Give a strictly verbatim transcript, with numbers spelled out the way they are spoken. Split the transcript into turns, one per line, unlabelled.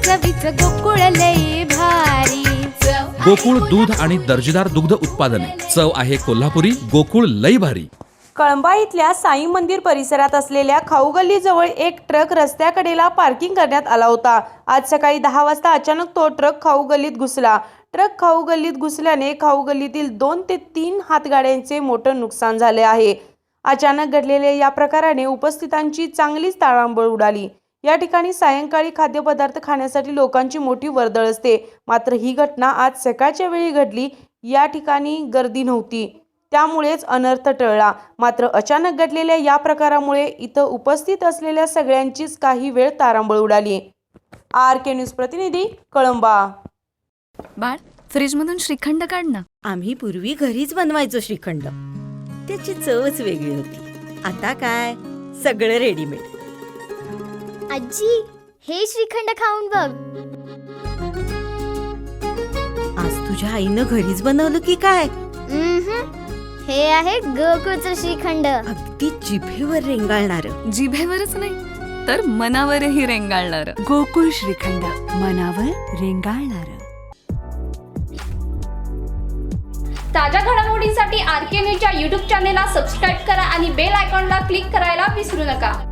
चवीच गोकुळ लई भारी।
गोकुळ दूध आणि दर्जेदार दुग्ध उत्पादने, चव आहे कोल्हापुरी, गोकुळ लई भारी।
कळंबा इथल्या साई मंदिर परिसरात असलेल्या खाऊ गल्लीजवळ एक ट्रक रस्त्याकडेला पार्किंग करण्यात आला होता। आज सकाळी दहा वाजता अचानक तो ट्रक खाऊ गल्लीत घुसला। ट्रक खाऊ गल्लीत घुसल्याने खाऊ गल्लीतील दोन ते तीन हातगाड्यांचे मोठं नुकसान झाले आहे। अचानक घडलेल्या या प्रकाराने उपस्थितांची चांगलीच ताळंबळ उडाली। या ठिकाणी सायंकाळी खाद्यपदार्थ खाण्यासाठी लोकांची मोठी वर्दळ असते, मात्र ही घटना आज सकाळच्या वेळी घडली। या ठिकाणी गर्दी नव्हती, त्यामुळेच अनर्थ टळला। मात्र अचानक घडलेल्या या प्रकारामुळे इथं उपस्थित असलेल्या सगळ्यांचीच काही वेळ तारांबळ उडाली। आर के न्यूज प्रतिनिधी, कळंबा।
बाळ, फ्रीजमधून श्रीखंड काढ ना।
आम्ही पूर्वी घरीच बनवायचो श्रीखंड, त्याची चवच वेगळी होती। आता काय सगळं रेडीमेड।
आजी, हे श्रीखंड खाऊन बघ।
आज तुझ्या आईनं घरीच बनवलं की काय?
हे आहे गोकुळचं श्रीखंड।
अगदी जिभेवर रेंगाळणार।
जिभेवरच नाही तर मनावरही रेंगाळणार।
गोकुळ श्रीखंड, मनावर रेंगाळणार।
ताज्या घडामोडींसाठी आर के न्यूजच्या यूट्यूब चॅनेलला सबस्क्राईब करा आणि बेल आयकॉनला क्लिक करायला विसरू नका।